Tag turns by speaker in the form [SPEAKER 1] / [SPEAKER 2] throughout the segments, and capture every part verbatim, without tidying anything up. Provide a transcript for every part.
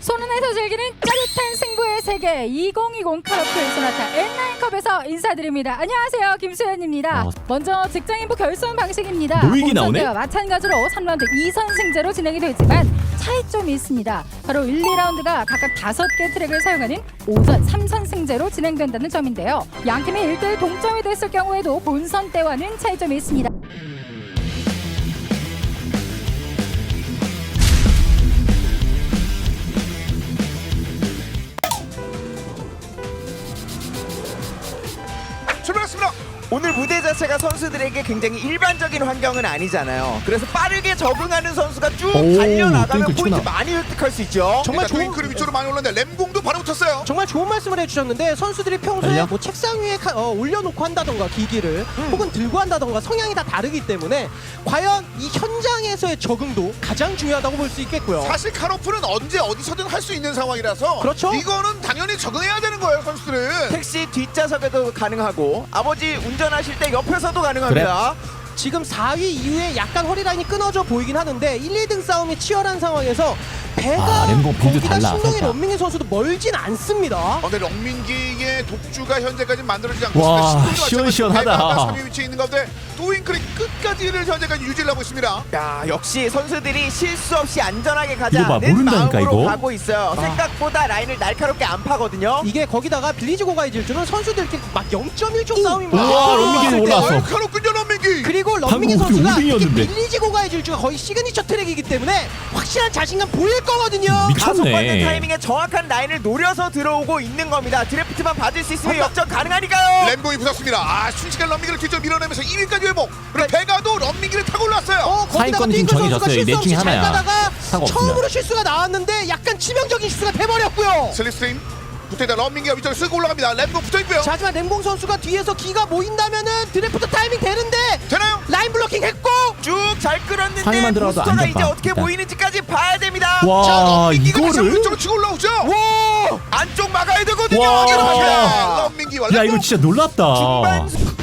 [SPEAKER 1] 손은에서 즐기는 짜릿한 승부의 세계 이천이십 카라풀 소나타 엔나인컵에서 인사드립니다. 안녕하세요, 김수현입니다.
[SPEAKER 2] 어.
[SPEAKER 1] 먼저 직장인부 결선 방식입니다.
[SPEAKER 2] 노익이 나오네?
[SPEAKER 1] 본선대와 마찬가지로 삼 라운드 이 선승제로 진행이 되지만 차이점이 있습니다. 바로 일, 이 라운드가 각각 다섯 개 트랙을 사용하는 오전 삼 선승제로 진행된다는 점인데요. 양 팀이 일 대 일 동점이 됐을 경우에도 본선 때와는 차이점이 있습니다.
[SPEAKER 3] 출발했습니다.
[SPEAKER 4] 오늘 무대 자체가 선수들에게 굉장히 일반적인 환경은 아니잖아요. 그래서 빠르게 적응하는 선수가 쭉
[SPEAKER 2] 오,
[SPEAKER 4] 달려나가면
[SPEAKER 2] 띵크
[SPEAKER 4] 포인트
[SPEAKER 2] 치구나.
[SPEAKER 4] 많이 획득할 수 있죠.
[SPEAKER 3] 정말
[SPEAKER 5] 정말 좋은-
[SPEAKER 3] 트윙크를 위쪽으로 많이 올랐는데 램공도 바로 붙었어요.
[SPEAKER 5] 정말 좋은 말씀을 해주셨는데 선수들이 평소에
[SPEAKER 2] 달려?
[SPEAKER 5] 뭐 책상 위에 카- 어, 올려놓고 한다던가 기기를 혹은 들고 한다던가 성향이 다 다르기 때문에 과연 이 현장에서의 적응도 가장 중요하다고 볼 수 있겠고요.
[SPEAKER 3] 사실 카로프는 언제 어디서든 할 수 있는 상황이라서
[SPEAKER 5] 그렇죠.
[SPEAKER 3] 이거는 당연히 적응해야 되는 거예요, 선수들은.
[SPEAKER 4] 택시 뒷좌석에도 가능하고 아버지 운전하실 때 옆에서도 가능합니다.
[SPEAKER 5] 지금 사 위 이후에 약간 허리라인이 끊어져 보이긴 하는데 일, 이 등 싸움이 치열한 상황에서 배가
[SPEAKER 2] 아, 램공 빌드
[SPEAKER 5] 거기다
[SPEAKER 2] 달라,
[SPEAKER 5] 신동희
[SPEAKER 2] 살짝.
[SPEAKER 5] 런민기 선수도 멀진 않습니다.
[SPEAKER 3] 어, 근데 럭민기의 독주가 현재까지 만들어지지 않고
[SPEAKER 2] 와,
[SPEAKER 3] 있습니다.
[SPEAKER 2] 시원시원하다.
[SPEAKER 3] 삼 위 위치에 있는 가운데 도윙크리 끝까지를 현재까지 유지를 하고 있습니다.
[SPEAKER 4] 야, 역시 선수들이 실수 없이 안전하게
[SPEAKER 2] 이거 봐,
[SPEAKER 4] 가자는
[SPEAKER 2] 모른다니까,
[SPEAKER 4] 마음으로
[SPEAKER 2] 이거.
[SPEAKER 4] 가고 있어요.
[SPEAKER 5] 아.
[SPEAKER 4] 생각보다 라인을 날카롭게 안 파거든요.
[SPEAKER 5] 이게 거기다가 빌리지 고가의 질주는 선수들끼리 막 영 점 일 초 싸움입니다.
[SPEAKER 2] 우와, 런민기는 올라왔어.
[SPEAKER 3] 카로군요, 런민기.
[SPEAKER 5] 그리고 런민기
[SPEAKER 2] 방금
[SPEAKER 5] 선수가 특히
[SPEAKER 2] 우승이었는데.
[SPEAKER 5] 빌리지 고가의 질주가 거의 시그니처 트랙이기 때문에 확실한 자신감 보일 거거든요.
[SPEAKER 2] 미쳤네.
[SPEAKER 4] 가속받는 타이밍에 정확한 라인을 노려서 들어오고 있는 겁니다. 드래프트만 받을 수 있으면 역전 가능하니까요.
[SPEAKER 3] 램공이 붙었습니다. 아, 순식간 런민기를 뒤쪽으로 밀어내면서 일 위까지 회복. 그리고 배가도 런민기를 타고 올랐어요.
[SPEAKER 5] 어, 거기다가
[SPEAKER 2] 사인권 지금
[SPEAKER 5] 띵크 선수가
[SPEAKER 2] 정해졌어요. 이 넷
[SPEAKER 5] 실수
[SPEAKER 2] 중에
[SPEAKER 5] 없이 잘
[SPEAKER 2] 하나야.
[SPEAKER 5] 가다가
[SPEAKER 2] 사고
[SPEAKER 5] 처음으로
[SPEAKER 2] 없습니다.
[SPEAKER 5] 실수가 나왔는데 약간 치명적인 실수가 돼버렸고요.
[SPEAKER 3] 슬립스트림 붙어있다 런민기가 위쪽으로 쓰고 올라갑니다. 램공 붙어있고요.
[SPEAKER 5] 자, 하지만 램공 선수가 뒤에서 기가 모인다면은 드래프트 타이밍 되는데
[SPEAKER 3] 되나요?
[SPEAKER 5] 라인 블로킹 했고
[SPEAKER 4] 쭉 잘 끌었는데
[SPEAKER 2] 상위만 들어가도
[SPEAKER 4] 부스터가
[SPEAKER 2] 안
[SPEAKER 4] 이제
[SPEAKER 2] 잡아,
[SPEAKER 4] 어떻게
[SPEAKER 2] 일단.
[SPEAKER 4] 보이는지까지 봐야 됩니다.
[SPEAKER 2] 와,
[SPEAKER 3] 런민기가 다시 한번
[SPEAKER 2] 이거를?
[SPEAKER 3] 위쪽으로 치고 올라오죠.
[SPEAKER 4] 와! 안쪽 막아야 되거든요.
[SPEAKER 2] 와.
[SPEAKER 3] 이렇게 런민기와
[SPEAKER 2] 야, 이거 진짜 놀랍다.
[SPEAKER 4] 중반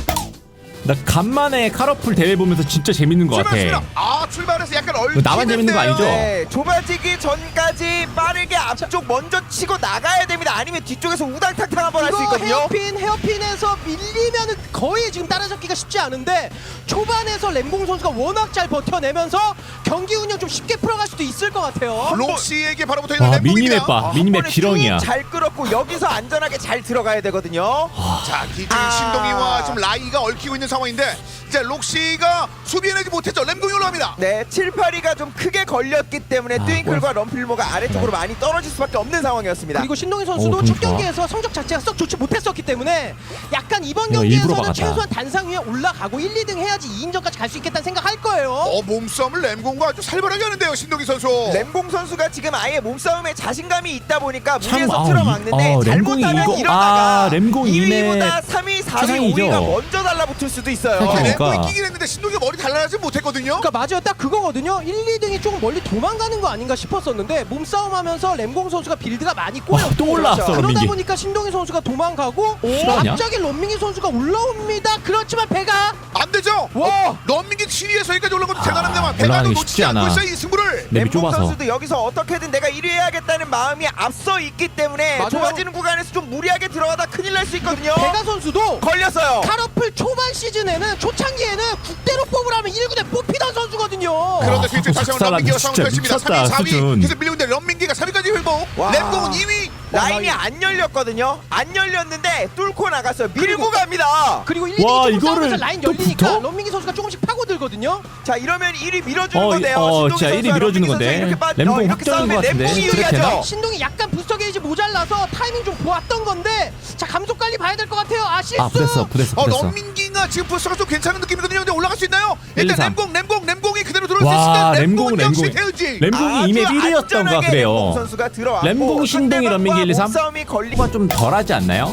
[SPEAKER 2] 나 간만에 카러풀 대회 보면서 진짜 재밌는 것
[SPEAKER 3] 출발했습니다.
[SPEAKER 2] 같아.
[SPEAKER 3] 아, 출발해서 약간 얼.
[SPEAKER 2] 나만 재밌는 거 아니죠?
[SPEAKER 4] 네, 좁아지기 전까지 빠르게 앞쪽 먼저 치고 나가야 됩니다. 아니면 뒤쪽에서 우당탕탕 한번 할 수
[SPEAKER 5] 이거
[SPEAKER 4] 있거든요.
[SPEAKER 5] 헤어핀 헤어핀에서 밀리면은 거의 지금 따라잡기가 쉽지 않은데 초반에서 램봉 선수가 워낙 잘 버텨내면서 경기 운영 좀 쉽게 풀어갈 수도 있을 것 같아요.
[SPEAKER 3] 록시에게 바로 붙어 있는
[SPEAKER 2] 와,
[SPEAKER 3] 램공입니다.
[SPEAKER 2] 미니맵 봐.
[SPEAKER 4] 아,
[SPEAKER 2] 미니맵
[SPEAKER 4] 한 번에
[SPEAKER 2] 지렁이야.
[SPEAKER 4] 쭉 잘 끌었고 여기서 안전하게 잘 들어가야 되거든요.
[SPEAKER 3] 자, 뒤쪽에
[SPEAKER 4] 아.
[SPEAKER 3] 신동이와 지금 라이가 얽히고 있는 상황인데 이제 록시가 수비해내지 못했죠. 램공이 올라갑니다.
[SPEAKER 4] 네, 칠, 팔 위가 좀 크게 걸렸기 때문에
[SPEAKER 2] 아,
[SPEAKER 4] 트윙클과 럼필모가 아래쪽으로
[SPEAKER 2] 네.
[SPEAKER 4] 많이 떨어질 수밖에 없는 상황이었습니다.
[SPEAKER 5] 그리고 신동희 선수도
[SPEAKER 2] 오,
[SPEAKER 5] 첫
[SPEAKER 2] 좋아.
[SPEAKER 5] 경기에서 성적 자체가 썩 좋지 못했었기 때문에 약간 이번
[SPEAKER 2] 이거 일부러
[SPEAKER 5] 경기에서는
[SPEAKER 2] 막았다.
[SPEAKER 5] 최소한 단상 위에 올라가고 일, 이 등 해야지 이 인전까지 갈 수 있겠다는 생각할 거예요.
[SPEAKER 3] 어, 몸싸움을 램공과 아주 살벌하게 하는데요, 신동희 선수.
[SPEAKER 4] 램공 선수가 지금 아예 몸싸움에 자신감이 있다 보니까
[SPEAKER 2] 참,
[SPEAKER 4] 무리해서
[SPEAKER 2] 아,
[SPEAKER 4] 틀어막는데
[SPEAKER 2] 이- 어, 램공이
[SPEAKER 4] 잘못하면
[SPEAKER 2] 이거-
[SPEAKER 4] 이러다가
[SPEAKER 2] 아, 램공이
[SPEAKER 4] 이 위보다
[SPEAKER 2] 이메
[SPEAKER 4] 삼 위, 사 위,
[SPEAKER 2] 최상이죠.
[SPEAKER 4] 오 위가 먼저 달라붙을 수도 있어요.
[SPEAKER 2] 그러니까.
[SPEAKER 3] 램공이 끼긴 했는데 신동이가 머리 달라나지 못했거든요.
[SPEAKER 5] 그러니까 맞아요, 딱 그거거든요. 일, 이 등이 조금 멀리 도망가는 거 아닌가 싶었었는데 몸싸움하면서 램공 선수가 빌드가 많이 꼬였고
[SPEAKER 2] 와, 또 올라왔어,
[SPEAKER 5] 그러다
[SPEAKER 2] 런민기.
[SPEAKER 5] 보니까 신동희 선수가 도망가고
[SPEAKER 2] 실화냐?
[SPEAKER 5] 갑자기 런민기 선수가 올라옵니다. 그렇지만 배가
[SPEAKER 3] 안 되죠.
[SPEAKER 5] 와!
[SPEAKER 3] 어, 런민기 칠 위에서 여기까지 올라온 것도 대단한데만 배가도
[SPEAKER 2] 올라가는 게
[SPEAKER 3] 놓치지
[SPEAKER 2] 쉽지
[SPEAKER 3] 않고
[SPEAKER 2] 않아.
[SPEAKER 3] 있어요, 이 승부를.
[SPEAKER 2] 맵이
[SPEAKER 4] 램공
[SPEAKER 2] 좁아서.
[SPEAKER 4] 선수도 여기서 어떻게든 내가 일 위 해야겠다는 마음이 앞서 있기 때문에
[SPEAKER 5] 맞아요.
[SPEAKER 4] 좁아지는 구간에서 좀 무리하게 들어가다 큰일 날 수 있거든요.
[SPEAKER 5] 배가 선수도
[SPEAKER 4] 걸렸어요.
[SPEAKER 5] 카러플 초반 시즌에는 초창기에는 국대로 뽑으라면 일 군에 뽑히던 선수거든요.
[SPEAKER 3] 그런데
[SPEAKER 2] 아,
[SPEAKER 3] 뒤쪽 다시 한번
[SPEAKER 2] 작살났네.
[SPEAKER 3] 런민기가 상을
[SPEAKER 2] 진짜
[SPEAKER 3] 펼칩니다. 삼 위,
[SPEAKER 2] 미쳤다,
[SPEAKER 3] 사 위
[SPEAKER 2] 수준.
[SPEAKER 3] 계속 밀리고 있는데 런민기가 삼 위까지 회복.
[SPEAKER 4] 와.
[SPEAKER 3] 램공은 이 위.
[SPEAKER 4] 라인이 안 열렸거든요. 안 열렸는데 뚫고 나갔어요. 밀고 갑니다.
[SPEAKER 5] 그리고 일, 이
[SPEAKER 2] 와,
[SPEAKER 5] 등이 좀
[SPEAKER 2] 이거를
[SPEAKER 5] 싸우면서 라인
[SPEAKER 2] 또
[SPEAKER 5] 열리니까
[SPEAKER 2] 붙어?
[SPEAKER 5] 런민기 선수가 조금씩 파고들거든요.
[SPEAKER 4] 자, 이러면 일 위 밀어주는
[SPEAKER 2] 어,
[SPEAKER 4] 건데요.
[SPEAKER 2] 어,
[SPEAKER 4] 신동희
[SPEAKER 2] 진짜 일 위
[SPEAKER 4] 선수와
[SPEAKER 2] 밀어주는
[SPEAKER 4] 런민기 선수가
[SPEAKER 2] 건데.
[SPEAKER 4] 이렇게 빠-
[SPEAKER 2] 램공
[SPEAKER 4] 어, 이렇게
[SPEAKER 2] 확정인
[SPEAKER 4] 싸우면
[SPEAKER 2] 것 같은데.
[SPEAKER 4] 램공이
[SPEAKER 2] 스트레이트
[SPEAKER 4] 유리하죠.
[SPEAKER 2] 되나?
[SPEAKER 5] 신동이 약간 부스터 게이지 모자라서 타이밍 좀 보았던 건데 자, 감속 관리 봐야 될 것 같아요. 아, 실수.
[SPEAKER 2] 아, 부댔어, 부댔어,
[SPEAKER 3] 어,
[SPEAKER 2] 부댔어.
[SPEAKER 3] 런민기가 지금 부스가 좀 괜찮은 느낌이거든요. 근데 올라갈 수 있나요?
[SPEAKER 2] 일,
[SPEAKER 3] 일단
[SPEAKER 2] 삼.
[SPEAKER 3] 램공, 램공, 램공이 그대로 들어올 수
[SPEAKER 2] 와,
[SPEAKER 3] 있을까?
[SPEAKER 2] 램공은
[SPEAKER 3] 역시
[SPEAKER 2] 램공.
[SPEAKER 3] 태우지.
[SPEAKER 2] 램공이 이맵 일 위였던가
[SPEAKER 4] 램공
[SPEAKER 2] 그래요.
[SPEAKER 4] 선수가 들어왔고
[SPEAKER 2] 램공, 신동이, 런민기 일, 이, 삼.
[SPEAKER 4] 싸움이 걸리.
[SPEAKER 2] 이거 좀 덜하지 않나요?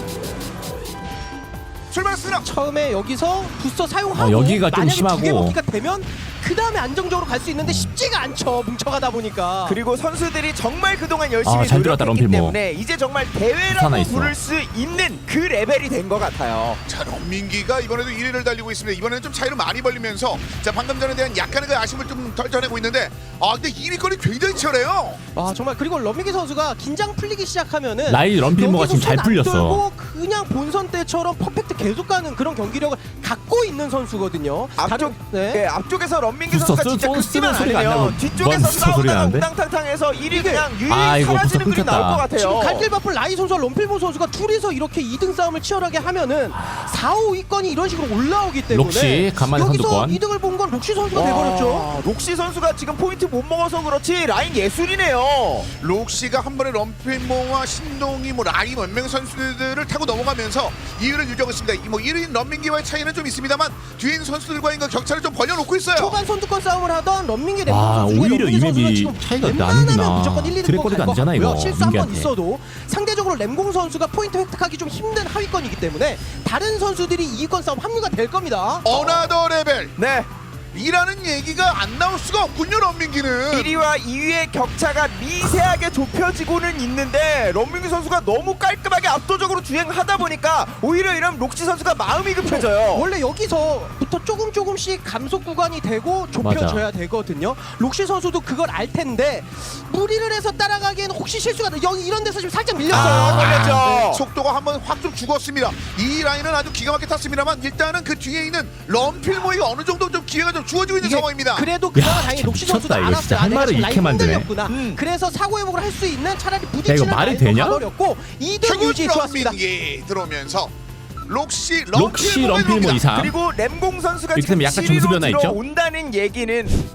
[SPEAKER 3] 출발했습니다.
[SPEAKER 5] 처음에 여기서 부스터 사용하고
[SPEAKER 2] 어, 여기가 좀
[SPEAKER 5] 만약에
[SPEAKER 2] 심하고.
[SPEAKER 5] 두 개 먹기가 되면 그 다음에 안정적으로 갈 수 있는데 쉽지가 않죠. 뭉쳐가다 보니까.
[SPEAKER 4] 그리고 선수들이 정말 그동안 열심히
[SPEAKER 2] 아, 잘 들어갔다,
[SPEAKER 4] 노력했기
[SPEAKER 2] 럼필모.
[SPEAKER 4] 때문에 이제 정말
[SPEAKER 2] 하나
[SPEAKER 4] 대회라고
[SPEAKER 2] 있어.
[SPEAKER 4] 부를 수 있는 그 레벨이 된 것 같아요.
[SPEAKER 3] 자, 런민기가 이번에도 일 위를 달리고 있습니다. 이번에는 좀 차이를 많이 벌리면서 자, 방금 전에 대한 약간의 그 아쉬움을 좀 덜쳐내고 있는데 아, 근데 이 위권이 굉장히 치열해요.
[SPEAKER 5] 아 정말 그리고 럼민기 선수가 긴장 풀리기 시작하면은
[SPEAKER 2] 라이 럼필모가
[SPEAKER 5] 여기서
[SPEAKER 2] 지금 잘
[SPEAKER 5] 손안
[SPEAKER 2] 풀렸어.
[SPEAKER 5] 떨고 그냥 본선 때처럼 퍼펙트 계속 가는 그런 경기력을 갖고 있는 선수거든요.
[SPEAKER 4] 앞쪽,
[SPEAKER 5] 네.
[SPEAKER 4] 네, 앞쪽에서 런민기
[SPEAKER 2] 부스터
[SPEAKER 4] 선수가
[SPEAKER 2] 쓰-
[SPEAKER 4] 진짜
[SPEAKER 2] 쓰는
[SPEAKER 4] 급기만
[SPEAKER 2] 소리가 안
[SPEAKER 4] 아니면
[SPEAKER 2] 나고
[SPEAKER 4] 뒤쪽에서
[SPEAKER 2] 부스터 소리가
[SPEAKER 4] 싸우다가
[SPEAKER 2] 나는데?
[SPEAKER 4] 우당탕탕해서 일이
[SPEAKER 5] 이게-
[SPEAKER 4] 그냥 유일히
[SPEAKER 2] 아, 이거
[SPEAKER 4] 사라지는
[SPEAKER 2] 부스터
[SPEAKER 4] 그림 나올 것
[SPEAKER 2] 끊겼다.
[SPEAKER 5] 지금
[SPEAKER 4] 같아요.
[SPEAKER 5] 갈길 바쁜 라이 선수와 럼필모 선수가 둘이서 이렇게 이 등 싸움을 치열하게 하면은 사, 오 위권이 이런 식으로 올라오기 때문에
[SPEAKER 2] 록시, 간만에
[SPEAKER 5] 여기서
[SPEAKER 2] 선두권.
[SPEAKER 5] 이 등을 본 건 록시 선수가 돼버렸죠.
[SPEAKER 4] 와, 록시 선수가 지금 포인트 못 먹어서 그렇지 라인 예술이네요.
[SPEAKER 3] 록시가 한 번에 럼필모와 신동이 뭐 라이 몇 명 선수들을 타고 넘어가면서 이 위를 유지하고 있습니다. 이 뭐 일 위인 런민기와의 차이는 좀 있습니다만 뒤에 있는 선수들과의 그 격차를 좀 벌려놓고 있어요.
[SPEAKER 5] 초반 선두권 싸움을 하던 런민기 램봉
[SPEAKER 2] 와,
[SPEAKER 5] 선수 중에
[SPEAKER 2] 오히려
[SPEAKER 5] 럼민기
[SPEAKER 2] 이
[SPEAKER 5] 선수가
[SPEAKER 2] 맵이
[SPEAKER 5] 지금
[SPEAKER 2] 차이가
[SPEAKER 5] 웬만하면
[SPEAKER 2] 나는구나.
[SPEAKER 5] 무조건 일, 이 등권
[SPEAKER 2] 드래곤이도
[SPEAKER 5] 갈것
[SPEAKER 2] 안 되잖아,
[SPEAKER 5] 같고요.
[SPEAKER 2] 이거,
[SPEAKER 5] 실수 한 번
[SPEAKER 2] 민기한테.
[SPEAKER 5] 있어도 상대적으로 램봉 선수가 포인트 획득하기 좀 힘든 하위권이기 때문에 다른 선수들이 이 위권 싸움 합류가 될 겁니다.
[SPEAKER 3] 어나더 레벨
[SPEAKER 4] 네,
[SPEAKER 3] 이라는 얘기가 안 나올 수가 없군요. 런민기는
[SPEAKER 4] 일 위와 이 위의 격차가 미세하게 좁혀지고는 있는데 런민기 선수가 너무 깔끔하게 압도적으로 주행하다 보니까 오히려 이런 록시 선수가 마음이 급해져요.
[SPEAKER 5] 원래 여기서부터 조금 조금씩 감속 구간이 되고 좁혀져야 되거든요. 록시 선수도 그걸 알 텐데 무리를 해서 따라가기에는 혹시 실수가 나- 여기 이런 데서 지금 살짝 밀렸어요.
[SPEAKER 4] 아, 걸렸죠.
[SPEAKER 3] 네, 속도가 한번 확 좀 죽었습니다. 이 라인은 아주 기가 막히게 탔습니다만 일단은 그 뒤에 있는 럼필모이가 어느 정도 좀 기회가 좀 주어지고 있는
[SPEAKER 5] 이게
[SPEAKER 3] 상황입니다.
[SPEAKER 5] 그래도 그나마
[SPEAKER 2] 야,
[SPEAKER 5] 다행히
[SPEAKER 2] 참
[SPEAKER 5] 록시 선수도
[SPEAKER 2] 미쳤다, 이거
[SPEAKER 5] 알았어요.
[SPEAKER 2] 진짜.
[SPEAKER 5] 아,
[SPEAKER 2] 할
[SPEAKER 5] 내가
[SPEAKER 2] 말을
[SPEAKER 5] 지금
[SPEAKER 2] 이렇게
[SPEAKER 5] 라인
[SPEAKER 2] 만드네.
[SPEAKER 5] 흔들렸구나.
[SPEAKER 4] 음.
[SPEAKER 5] 그래서 사고 회복을 할 수 있는 차라리
[SPEAKER 2] 야,
[SPEAKER 5] 부딪히는
[SPEAKER 2] 이거 말이
[SPEAKER 5] 라인도
[SPEAKER 2] 되냐?
[SPEAKER 5] 가버렸고 이 등 유지 좋았습니다.
[SPEAKER 3] 런민기 들어오면서 록시
[SPEAKER 2] 록시
[SPEAKER 3] 럼필모가
[SPEAKER 2] 럼필모
[SPEAKER 3] 들어옵니다.
[SPEAKER 2] 이상.
[SPEAKER 4] 그리고 램공 선수가
[SPEAKER 2] 이렇게
[SPEAKER 4] 지금
[SPEAKER 2] 되면 약간
[SPEAKER 4] 칠 위로
[SPEAKER 2] 점수 변화 있죠?
[SPEAKER 4] 들어온다는 얘기는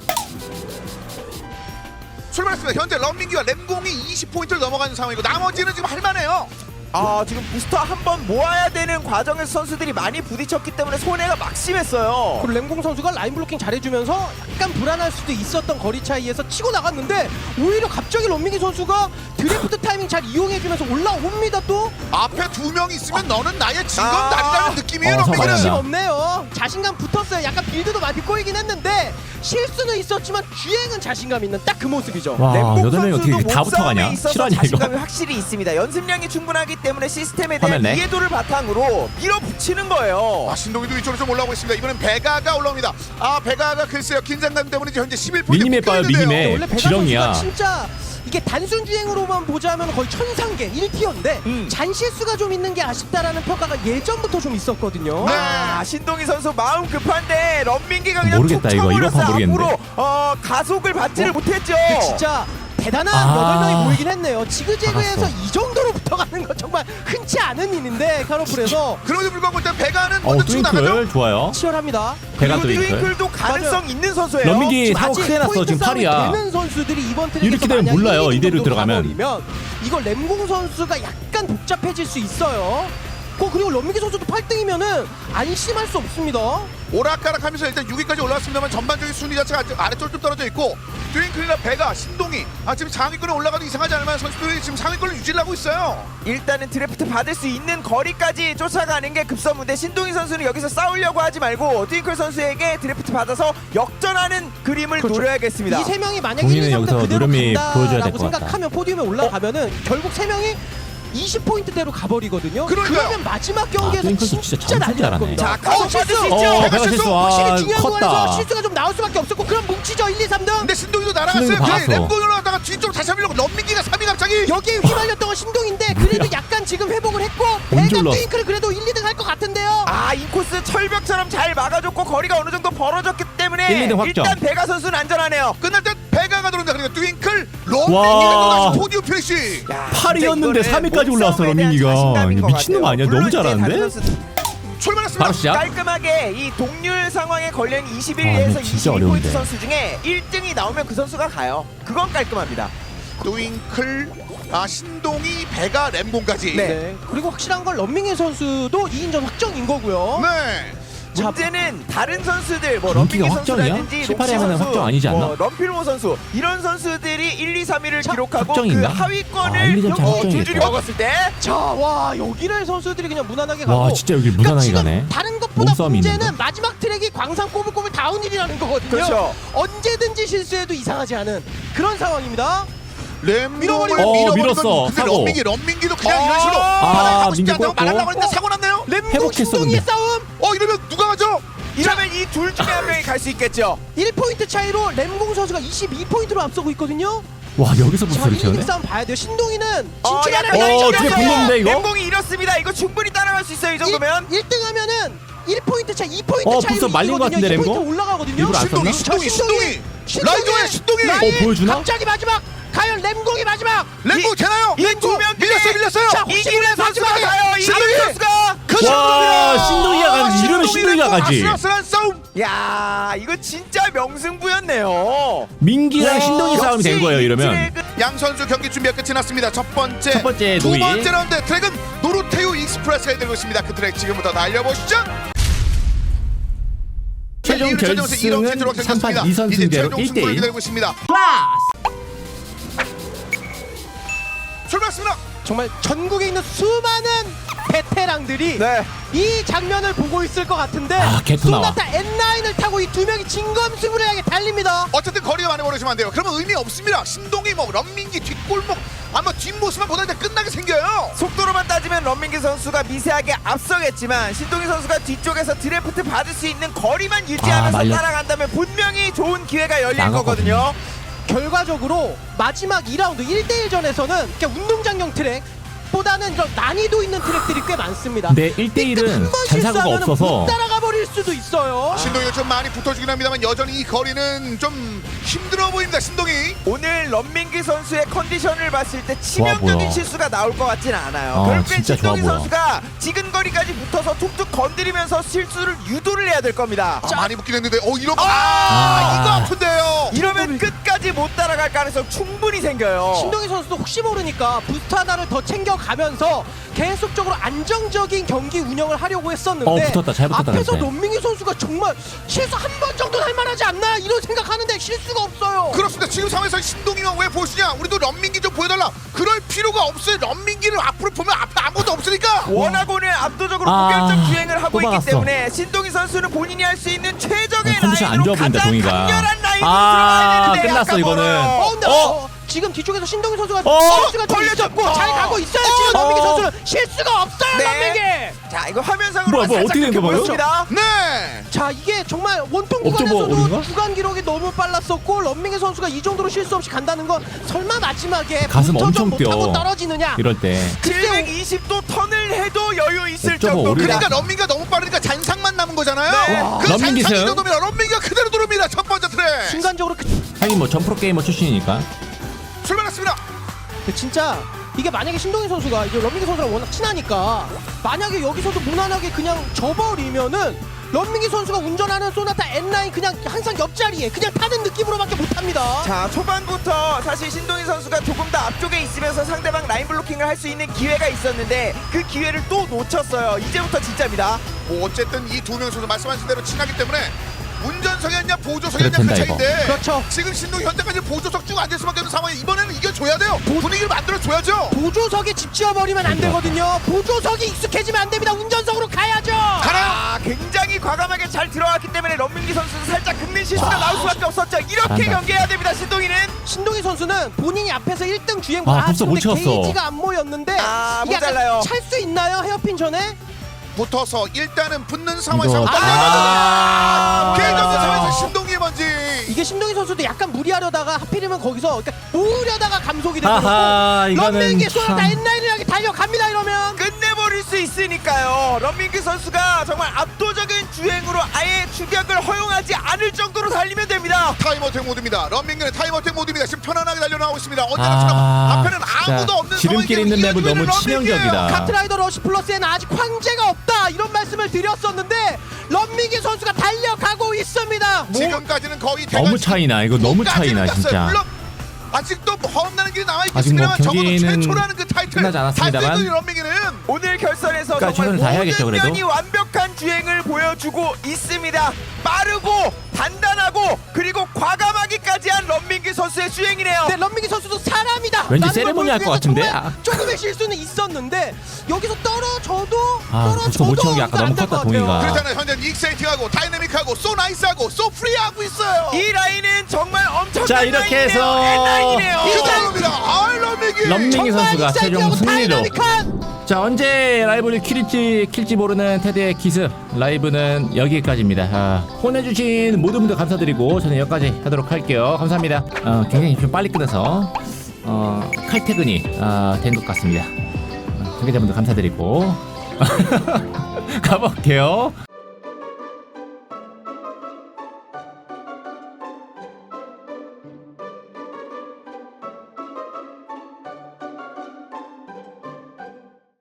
[SPEAKER 3] 출발했습니다. 현재 런민기와 램공이 이십 포인트를 넘어가는 상황이고 나머지는 지금 할만해요.
[SPEAKER 4] 아 지금 부스터 한번 모아야 되는 과정에서 선수들이 많이 부딪혔기 때문에 손해가 막심했어요.
[SPEAKER 5] 그리고 램공 선수가 라인 블로킹 잘해주면서 약간 불안할 수도 있었던 거리 차이에서 치고 나갔는데 오히려 갑자기 런민기 선수가 드래프트 타이밍 잘 이용해주면서 올라옵니다. 또
[SPEAKER 3] 앞에 두 명 있으면 너는 나의 진검
[SPEAKER 4] 아.
[SPEAKER 3] 다리라는 느낌이에요.
[SPEAKER 2] 어,
[SPEAKER 3] 런민기는.
[SPEAKER 2] 맞아.
[SPEAKER 5] 자신 없네요. 자신감 붙었어요. 약간 빌드도 많이 꼬이긴 했는데 실수는 있었지만 주행은 자신감 있는 딱 그 모습이죠.
[SPEAKER 2] 와,
[SPEAKER 4] 램공
[SPEAKER 2] 여덟 명이
[SPEAKER 4] 선수도
[SPEAKER 2] 어떻게 다
[SPEAKER 4] 몸싸움에
[SPEAKER 2] 붙어가냐?
[SPEAKER 4] 있어서
[SPEAKER 2] 실화냐, 이거?
[SPEAKER 4] 자신감이 확실히 있습니다. 연습량이 충분하기 때문에 시스템에 대한
[SPEAKER 2] 화면네.
[SPEAKER 4] 이해도를 바탕으로 밀어붙이는 거예요.
[SPEAKER 3] 아, 신동이도 이쪽으로 좀 올라오고 있습니다. 이번엔 베가가 올라옵니다. 아, 베가가 글쎄요. 긴장감 때문에 현재 십일 포인트
[SPEAKER 2] 미니맵 봐요, 미니맵.
[SPEAKER 5] 원래 베가
[SPEAKER 2] 지렁이야.
[SPEAKER 5] 선수가 진짜 이게 단순 주행으로만 보자면 거의 천상계 일 티어인데
[SPEAKER 4] 음.
[SPEAKER 5] 잔실수가 좀 있는 게 아쉽다라는 평가가 예전부터 좀 있었거든요.
[SPEAKER 3] 네.
[SPEAKER 4] 아, 신동희 선수 마음 급한데 런민기가 그냥
[SPEAKER 2] 모르겠다,
[SPEAKER 4] 툭
[SPEAKER 2] 이거. 이거
[SPEAKER 4] 쳐버려서
[SPEAKER 2] 봐, 모르겠는데.
[SPEAKER 4] 앞으로 어, 가속을 받지를
[SPEAKER 5] 어?
[SPEAKER 4] 못했죠.
[SPEAKER 5] 이게 진짜 대단한
[SPEAKER 2] 아.
[SPEAKER 5] 여덟 명이 모이긴 했네요. 지그재그에서
[SPEAKER 2] 박았어.
[SPEAKER 5] 이 정도로 붙어가는 건 정말 흔치 않은 일인데 카로풀에서
[SPEAKER 3] 그럼에도 불구하고 일단 베가는
[SPEAKER 2] 어,
[SPEAKER 3] 먼저 치고 나가죠.
[SPEAKER 2] 트윙클 좋아요.
[SPEAKER 5] 치열합니다.
[SPEAKER 2] 배가
[SPEAKER 4] 그리고
[SPEAKER 2] 트윙클.
[SPEAKER 4] 트윙클도 가능성
[SPEAKER 5] 맞아요.
[SPEAKER 4] 있는 선수예요.
[SPEAKER 2] 런민기
[SPEAKER 5] 지금
[SPEAKER 2] 사고
[SPEAKER 5] 아직
[SPEAKER 2] 크게 났어.
[SPEAKER 5] 포인트
[SPEAKER 2] 지금
[SPEAKER 5] 싸움이
[SPEAKER 2] 팔이야.
[SPEAKER 5] 되는 선수들이 이번 트랙에서
[SPEAKER 2] 이렇게 되면
[SPEAKER 5] 만약
[SPEAKER 2] 몰라요,
[SPEAKER 5] 일, 이
[SPEAKER 2] 이대로
[SPEAKER 5] 정도
[SPEAKER 2] 들어가면.
[SPEAKER 5] 가버리면 이거 램공 선수가 약간 복잡해질 수 있어요. 어, 그리고 런민기 선수도 팔 등이면은 안심할 수 없습니다.
[SPEAKER 3] 오락가락하면서 일단 육 위까지 올라왔습니다만 전반적인 순위 자체가 아직 아래쪽으로 좀 떨어져 있고 트윙클이나 베가, 신동이 아 지금 상위권에 올라가도 이상하지 않을 만한 선수들이 지금 상위권을 유지를 하고 있어요.
[SPEAKER 4] 일단은 드래프트 받을 수 있는 거리까지 쫓아가는 게 급선무인데 신동희 선수는 여기서 싸우려고 하지 말고 트윙클 선수에게 드래프트 받아서 역전하는 그림을
[SPEAKER 5] 그렇죠.
[SPEAKER 4] 노려야겠습니다.
[SPEAKER 5] 이 세 명이 만약에
[SPEAKER 2] 동희는
[SPEAKER 5] 일, 이, 삼 등
[SPEAKER 2] 여기서
[SPEAKER 5] 그대로
[SPEAKER 2] 노련미 보여줘야 될
[SPEAKER 5] 간다라고
[SPEAKER 2] 것 같다.
[SPEAKER 5] 생각하면 포디움에 올라가면은 결국 세 명이 이십 포인트대로 가버리거든요.
[SPEAKER 3] 그러니까요.
[SPEAKER 5] 그러면 마지막 경기에서
[SPEAKER 2] 아, 트윙클도
[SPEAKER 5] 진짜,
[SPEAKER 2] 진짜
[SPEAKER 5] 난리
[SPEAKER 2] 잘하네.
[SPEAKER 5] 날 겁니다.
[SPEAKER 4] 자, 가서
[SPEAKER 5] 어,
[SPEAKER 4] 받을
[SPEAKER 5] 실수!
[SPEAKER 4] 수 있죠.
[SPEAKER 2] 어,
[SPEAKER 3] 베가
[SPEAKER 2] 배가
[SPEAKER 3] 실수.
[SPEAKER 2] 실수. 아,
[SPEAKER 5] 확실히 중요한
[SPEAKER 2] 컸다.
[SPEAKER 5] 부분에서 실수가 좀 나올 수밖에 없었고 그럼 뭉치죠. 일, 이, 삼 등.
[SPEAKER 3] 근데 신동이도 날아갔어요.
[SPEAKER 2] 신동이도
[SPEAKER 3] 그래
[SPEAKER 2] 박았어.
[SPEAKER 3] 램공이 올라갔다가 뒤쪽으로 다시 밀려고 런민기가 삼 위 갑자기.
[SPEAKER 5] 여기에 휘말렸던 건 신동인데 그래도 약간 지금 회복을 했고
[SPEAKER 2] 언제
[SPEAKER 5] 배가
[SPEAKER 2] 올라왔어?
[SPEAKER 5] 트윙크를 그래도 일, 이 등 할 것 같은데요.
[SPEAKER 4] 아 인코스 철벽처럼 잘 막아줬고 거리가 어느 정도 벌어졌기 때문에
[SPEAKER 2] 일, 이 등 확정.
[SPEAKER 4] 일단 베가 선수는 안전하네요.
[SPEAKER 3] 끝날 때 베가가 들어온다. 그러니까 트윙클
[SPEAKER 2] 와.
[SPEAKER 3] 런민기가 또 다시 포디움 피니시.
[SPEAKER 4] 야,
[SPEAKER 2] 팔이었는데
[SPEAKER 4] 진짜
[SPEAKER 2] 삼 위까지
[SPEAKER 4] 이거는
[SPEAKER 2] 올라왔어,
[SPEAKER 4] 몸싸움에 대한
[SPEAKER 2] 런민기가.
[SPEAKER 4] 자신감인
[SPEAKER 2] 이거
[SPEAKER 4] 것
[SPEAKER 2] 미친놈
[SPEAKER 4] 같아요.
[SPEAKER 2] 아니야?
[SPEAKER 4] 물론
[SPEAKER 2] 너무
[SPEAKER 4] 이제
[SPEAKER 2] 잘하는데?
[SPEAKER 4] 다른 선수
[SPEAKER 3] 출발했습니다.
[SPEAKER 2] 바로 시작.
[SPEAKER 4] 깔끔하게 이 동률 상황에 걸린
[SPEAKER 2] 아,
[SPEAKER 4] 이십일 위에서
[SPEAKER 2] 이거 진짜
[SPEAKER 4] 이십이 포인트
[SPEAKER 2] 어려운데.
[SPEAKER 4] 선수 중에 일 등이 나오면 그 선수가 가요. 그건 깔끔합니다.
[SPEAKER 3] 트윙클, 아 신동이, 베가, 램공까지.
[SPEAKER 4] 네.
[SPEAKER 5] 네. 그리고 확실한 건 런민기 선수도 이 인전 확정인 거고요.
[SPEAKER 3] 네.
[SPEAKER 4] 문제는 다른 선수들 뭐
[SPEAKER 2] 인기가
[SPEAKER 4] 런민기
[SPEAKER 2] 확정이야?
[SPEAKER 4] 선수라든지
[SPEAKER 2] 십, 팔위
[SPEAKER 4] 록시
[SPEAKER 2] 하면은
[SPEAKER 4] 선수,
[SPEAKER 2] 확정 아니지 않나?
[SPEAKER 4] 뭐 런필모 선수 이런 선수들이 일, 이, 삼 위를 기록하고 그
[SPEAKER 2] 확정인가?
[SPEAKER 4] 하위권을
[SPEAKER 2] 아, 일, 이 점 차
[SPEAKER 4] 어,
[SPEAKER 2] 확정이겠다.
[SPEAKER 4] 줄줄이 먹었을 때
[SPEAKER 5] 자, 와 여기를 선수들이 그냥 무난하게 가고.
[SPEAKER 2] 와 진짜 여기
[SPEAKER 5] 그러니까
[SPEAKER 2] 무난하게
[SPEAKER 5] 지금
[SPEAKER 2] 가네.
[SPEAKER 5] 다른 것보다
[SPEAKER 2] 몸싸움이
[SPEAKER 5] 문제는
[SPEAKER 2] 있는데?
[SPEAKER 5] 마지막 트랙이 광산 꼬불꼬불 다운힐이라는 거거든요.
[SPEAKER 4] 그렇죠.
[SPEAKER 5] 언제든지 실수해도 이상하지 않은 그런 상황입니다.
[SPEAKER 3] 램공을
[SPEAKER 5] 밀어버리고.
[SPEAKER 2] 어, 밀었어.
[SPEAKER 3] 근데
[SPEAKER 2] 사고.
[SPEAKER 3] 런민기 런민기도 그냥
[SPEAKER 4] 어.
[SPEAKER 3] 이런 식으로
[SPEAKER 2] 아,
[SPEAKER 3] 바닥에 가고 싶지
[SPEAKER 2] 민기
[SPEAKER 3] 않다고
[SPEAKER 2] 꺾고.
[SPEAKER 3] 말하려고 했는데 사고 났네요.
[SPEAKER 5] 램공
[SPEAKER 2] 회복했어,
[SPEAKER 5] 신동이의
[SPEAKER 2] 근데.
[SPEAKER 5] 싸움.
[SPEAKER 3] 어 이러면 누가 가죠?
[SPEAKER 4] 이러면 이 둘 중에 한 명이 갈 수 있겠죠.
[SPEAKER 5] 일 포인트 차이로 램공 선수가 이십이 포인트로 앞서고 있거든요.
[SPEAKER 2] 와 여기서
[SPEAKER 5] 자,
[SPEAKER 2] 부스를
[SPEAKER 5] 일, 이
[SPEAKER 2] 채우네.
[SPEAKER 5] 싸움 봐야 돼요. 신동이는
[SPEAKER 4] 어,
[SPEAKER 5] 진출하는
[SPEAKER 4] 약간
[SPEAKER 2] 어,
[SPEAKER 4] 이쪽이었어요.
[SPEAKER 2] 뒤에 붙는데, 이거?
[SPEAKER 4] 램공이 이렇습니다. 이거 충분히 따라갈 수 있어요. 이 정도면.
[SPEAKER 5] 일 등 하면은 일 포인트 차, 이 포인트
[SPEAKER 2] 어,
[SPEAKER 5] 차이로
[SPEAKER 2] 벌써 말린 것 같은데,
[SPEAKER 5] 이 포인트
[SPEAKER 2] 램공?
[SPEAKER 5] 올라가거든요.
[SPEAKER 2] 일부러 안
[SPEAKER 3] 신동이
[SPEAKER 2] 썼나?
[SPEAKER 3] 신동이 신동이 라이저의 신동이
[SPEAKER 5] 라인
[SPEAKER 2] 어, 보여주나?
[SPEAKER 5] 갑자기 마지막 과연 램공이 마지막.
[SPEAKER 3] 램공 되나요?
[SPEAKER 4] 이 두 명
[SPEAKER 3] 밀렸어요 밀렸어요.
[SPEAKER 5] 자, 혹시
[SPEAKER 4] 이기는
[SPEAKER 5] 모르는
[SPEAKER 4] 선수가
[SPEAKER 5] 마지막에
[SPEAKER 4] 가요. 이기는
[SPEAKER 3] 신동이!
[SPEAKER 4] 선수가.
[SPEAKER 3] 그
[SPEAKER 2] 와 신동이가 가지. 이러면 신동이가 가지.
[SPEAKER 3] 아슬아슬한 싸움.
[SPEAKER 4] 야 이거 진짜 명승부였네요.
[SPEAKER 2] 민기랑
[SPEAKER 4] 와,
[SPEAKER 2] 신동이 싸움이 된
[SPEAKER 4] 역시
[SPEAKER 2] 거예요
[SPEAKER 4] 이
[SPEAKER 2] 이러면.
[SPEAKER 4] 트랙은
[SPEAKER 3] 양 선수 경기 준비가 끝이 났습니다. 첫 번째,
[SPEAKER 2] 첫 번째
[SPEAKER 3] 두
[SPEAKER 2] 노이.
[SPEAKER 3] 번째 라운드 트랙은 노르테우 익스프레스가 들고 있습니다. 그 트랙 지금부터 날려보시죠.
[SPEAKER 2] 최종 결승은 삼 판 이 선승제로 일 대 일.
[SPEAKER 3] 기다리고 있습니다. 출발했습니다.
[SPEAKER 5] 정말 전국에 있는 수많은 베테랑들이
[SPEAKER 4] 네.
[SPEAKER 5] 이 장면을 보고 있을 것 같은데
[SPEAKER 2] 아, 개토 나와.
[SPEAKER 5] 소나타 엔 나인을 타고 이 두 명이 진검승부를 향해 달립니다.
[SPEAKER 3] 어쨌든 거리가 많이 벌어지면 안 돼요. 그러면 의미 없습니다. 신동이 뭐 런민기 뒷골목 아마 뒷모습만 보다 이제 끝나게 생겨요.
[SPEAKER 4] 속도로만 따지면 런민기 선수가 미세하게 앞서겠지만 신동희 선수가 뒤쪽에서 드래프트 받을 수 있는 거리만 유지하면서
[SPEAKER 2] 아, 말렸-
[SPEAKER 4] 따라간다면 분명히 좋은 기회가 열릴
[SPEAKER 2] 나가거든요.
[SPEAKER 4] 거거든요.
[SPEAKER 5] 결과적으로 마지막 이 라운드 일 대 일 전에서는 그냥 운동장용 트랙 보다는 좀 난이도 있는 트랙들이 꽤 많습니다.
[SPEAKER 2] 근데 일 대 일은 잔사고가 없어서
[SPEAKER 5] 못 따라가 버릴 수도 있어요.
[SPEAKER 3] 신동이가 좀 많이 붙어주긴 합니다만 여전히 이 거리는 좀 힘들어 보입니다. 신동이.
[SPEAKER 4] 오늘 런민기 선수의 컨디션을 봤을 때
[SPEAKER 2] 좋아
[SPEAKER 4] 치명적인
[SPEAKER 2] 보여.
[SPEAKER 4] 실수가 나올 것 같진 않아요.
[SPEAKER 2] 아,
[SPEAKER 4] 결국엔
[SPEAKER 2] 진짜 좋아
[SPEAKER 4] 신동희
[SPEAKER 2] 보여.
[SPEAKER 4] 선수가 지근 거리까지 붙어서 툭툭 건드리면서 실수를 유도를 해야 될 겁니다.
[SPEAKER 3] 아, 많이 붙긴 했는데 어 이런 거.
[SPEAKER 4] 아,
[SPEAKER 3] 아, 이거 아픈데요.
[SPEAKER 4] 이러면 끝까지 못 따라갈 가능성 충분히 생겨요.
[SPEAKER 5] 신동희 선수도 혹시 모르니까 부스트 하나를 더 챙겨가면서 계속적으로 안정적인 경기 운영을 하려고 했었는데
[SPEAKER 2] 어, 붙었다. 잘 붙었다,
[SPEAKER 5] 앞에서
[SPEAKER 2] 근데.
[SPEAKER 5] 런민기 선수가 정말 실수 한 번 정도는 할 만하지 않나 이런 생각하는데 실수가 없어요.
[SPEAKER 3] 그렇습니다. 지금 상황에서 신동이만 왜 보시냐? 우리도 런민기 좀 보여달라. 그럴 필요가 없어요. 런민기를 앞으로 보면 앞에 아무것도 없으니까.
[SPEAKER 4] 워낙 오늘 압도적으로
[SPEAKER 2] 아,
[SPEAKER 4] 무결점 주행을 하고
[SPEAKER 2] 또
[SPEAKER 4] 있기
[SPEAKER 2] 막았어.
[SPEAKER 4] 때문에 신동희 선수는 본인이 할 수 있는 최적의
[SPEAKER 2] 어, 컨디션 안
[SPEAKER 4] 라인으로
[SPEAKER 2] 좋아 보인다,
[SPEAKER 4] 가장
[SPEAKER 2] 동희가.
[SPEAKER 4] 강렬한 라인으로
[SPEAKER 2] 아,
[SPEAKER 4] 들어가야 되는데
[SPEAKER 2] 끝났어,
[SPEAKER 4] 약간
[SPEAKER 2] 이거는.
[SPEAKER 4] 멀어요.
[SPEAKER 5] 어, 근데
[SPEAKER 2] 어?
[SPEAKER 5] 어, 지금 뒤쪽에서 신동희 선수가
[SPEAKER 2] 어?
[SPEAKER 5] 실수가 좀
[SPEAKER 4] 걸려졌고.
[SPEAKER 5] 있었고 잘 가고 있어요. 지금
[SPEAKER 2] 어?
[SPEAKER 5] 런민기 선수는 실수가 없어요.
[SPEAKER 4] 네.
[SPEAKER 5] 런민기.
[SPEAKER 4] 자 이거 화면상으로
[SPEAKER 2] 뭐야, 뭐야,
[SPEAKER 4] 살짝
[SPEAKER 2] 어떻게 된 거예요?
[SPEAKER 4] 보였습니다.
[SPEAKER 3] 네.
[SPEAKER 5] 자 이게 정말 원통
[SPEAKER 2] 옵저버
[SPEAKER 5] 구간에서도
[SPEAKER 2] 올인가?
[SPEAKER 5] 주간 기록이 너무 빨랐었고 런민기 선수가 이 정도로 실수 없이 간다는 건 설마 마지막에
[SPEAKER 2] 가슴
[SPEAKER 5] 부스터
[SPEAKER 2] 엄청
[SPEAKER 5] 좀 못하고
[SPEAKER 2] 뛰어.
[SPEAKER 5] 떨어지느냐.
[SPEAKER 2] 이럴 때.
[SPEAKER 4] 칠백이십 도 턴을 해도 여유 있을
[SPEAKER 2] 옵저버
[SPEAKER 4] 정도.
[SPEAKER 2] 오리라.
[SPEAKER 3] 그러니까 런민기가 너무 빠르니까 잔상만 남은 거잖아요.
[SPEAKER 4] 네.
[SPEAKER 3] 그
[SPEAKER 2] 런민기
[SPEAKER 3] 잔상이
[SPEAKER 2] 승.
[SPEAKER 3] 정도면 런민기가 그대로 들어옵니다. 첫 번째 트랙.
[SPEAKER 5] 순간적으로 그,
[SPEAKER 2] 하긴 뭐 전프로 게이머 출신이니까.
[SPEAKER 3] 출발했습니다.
[SPEAKER 5] 그 진짜 이게 만약에 신동희 선수가 이제 런민기 선수랑 워낙 친하니까 만약에 여기서도 무난하게 그냥 져버리면은 런민기 선수가 운전하는 소나타 엔 나인 그냥 항상 옆자리에 그냥 타는 느낌으로밖에 못합니다.
[SPEAKER 4] 자 초반부터 사실 신동희 선수가 조금 더 앞쪽에 있으면서 상대방 라인 블로킹을 할 수 있는 기회가 있었는데 그 기회를 또 놓쳤어요. 이제부터 진짜입니다.
[SPEAKER 3] 뭐 어쨌든 이 두 명 선수 말씀하신 대로 친하기 때문에 운전석이었냐 보조석이었냐 그
[SPEAKER 2] 그렇단다,
[SPEAKER 3] 차이인데
[SPEAKER 5] 그렇죠.
[SPEAKER 3] 지금 신동이 현재까지 보조석 쭉 앉을 수밖에 없는 상황에 이번에는 이겨줘야 돼요. 분위기를 만들어줘야죠.
[SPEAKER 5] 보조석에 집 지어버리면 안 되거든요. 보조석이 익숙해지면 안 됩니다. 운전석으로 가야죠.
[SPEAKER 3] 가나요?
[SPEAKER 4] 아 굉장히 과감하게 잘 들어갔기 때문에 런민기 선수는 살짝 긁는 실수가 나올 수밖에 없었죠. 이렇게
[SPEAKER 2] 잘한다.
[SPEAKER 4] 경기해야 됩니다. 신동희는.
[SPEAKER 5] 신동희 선수는 본인이 앞에서 일 등 주행
[SPEAKER 2] 아, 벌써 못
[SPEAKER 5] 근데
[SPEAKER 2] 채웠어.
[SPEAKER 5] 게이지가 안 모였는데
[SPEAKER 4] 아,
[SPEAKER 5] 이게 약간
[SPEAKER 4] 모자라요.
[SPEAKER 5] 찰 수 있나요? 헤어핀 전에?
[SPEAKER 3] 붙어서 일단은 붙는 상황에서
[SPEAKER 2] 이거
[SPEAKER 3] 아,
[SPEAKER 2] 아,
[SPEAKER 3] 게임
[SPEAKER 2] 아,
[SPEAKER 3] 없는 상황에서
[SPEAKER 2] 아.
[SPEAKER 3] 신동이의 먼지.
[SPEAKER 5] 이게 신동희 선수도 약간 무리하려다가 하필이면 거기서 그러니까 모으려다가 감속이
[SPEAKER 2] 아하,
[SPEAKER 5] 되고
[SPEAKER 2] 이거는
[SPEAKER 5] 런민기 소나타
[SPEAKER 2] 참.
[SPEAKER 5] 엔 나인을 향해 달려갑니다 이러면.
[SPEAKER 4] 끝내버릴 수 있으니까요. 런민기 선수가 정말 압도적인 주행으로 아예 추격을 허용하지 않을 정도로 달리면 됩니다.
[SPEAKER 3] 타임어택 모드입니다. 런민기는 타임어택 모드입니다. 지금 편안하게 달려나오고 있습니다. 언제나처럼
[SPEAKER 2] 아,
[SPEAKER 3] 앞에는 아무도
[SPEAKER 2] 진짜
[SPEAKER 3] 없는
[SPEAKER 2] 지름길
[SPEAKER 3] 상황이기
[SPEAKER 2] 있는
[SPEAKER 3] 때문에
[SPEAKER 2] 맵은 너무
[SPEAKER 3] 이어지는 런민기예요.
[SPEAKER 2] 치명적이다.
[SPEAKER 5] 카트라이더 러시 플러스에는 아직 황제가 없다 이런 말씀을 드렸었는데 런민기 선수가 달려가고 있습니다.
[SPEAKER 3] 지금까지는 거의
[SPEAKER 2] 너무
[SPEAKER 3] 대관
[SPEAKER 2] 차이나. 이거 너무 차이나
[SPEAKER 3] 끝까지는
[SPEAKER 2] 진짜.
[SPEAKER 3] 갔어요. 물론 아직도 허음나는 길이 남아
[SPEAKER 2] 아직 뭐
[SPEAKER 3] 있겠습니다만 적어도
[SPEAKER 2] 경기는
[SPEAKER 3] 최초라는 그 타이틀
[SPEAKER 2] 끝나지 않았습니다만.
[SPEAKER 3] 달성된 런민기는
[SPEAKER 4] 오늘 결선에서
[SPEAKER 2] 그러니까
[SPEAKER 4] 정말
[SPEAKER 2] 최선을 다해야겠죠,
[SPEAKER 4] 모든
[SPEAKER 2] 그래도.
[SPEAKER 4] 면이 완벽한 주행을 보여주고 있습니다. 빠르고 단단하고 그리고 과감하기까지 한 런민기 선수의 주행이네요.
[SPEAKER 5] 네, 런민기 선수도 사람이다.
[SPEAKER 2] 왠지
[SPEAKER 5] 라는
[SPEAKER 2] 세레모니
[SPEAKER 5] 걸
[SPEAKER 2] 할것
[SPEAKER 5] 보여주기
[SPEAKER 2] 같은데?
[SPEAKER 5] 위해서
[SPEAKER 2] 아.
[SPEAKER 5] 정말 조금의 실수는 있었는데 여기서 떨어져도
[SPEAKER 2] 아, 부스터 못 채운 게 아까 너무 컸다, 동의가.
[SPEAKER 3] 그렇잖아요. 현재 익사이팅하고 다이내믹하고 소 나이스하고 소 프리하고 있어요.
[SPEAKER 4] 이 라인은 정말 엄청난
[SPEAKER 2] 자, 이렇게 해서
[SPEAKER 4] 라인이네요.
[SPEAKER 3] 이상입니다. 아, 런민기.
[SPEAKER 2] 런민기 선수가 최종 승리로.
[SPEAKER 5] 다이나믹한
[SPEAKER 2] 자, 언제 라이브를 킬지 킬지 모르는 테드의 기습 라이브는 여기까지입니다. 아, 혼내주신 모든 분들 감사드리고 저는 여기까지 하도록 할게요. 감사합니다. 어, 굉장히 좀 빨리 끝나서 어, 칼퇴근이 어, 된 것 같습니다. 어, 관계자분들 감사드리고 가볼게요.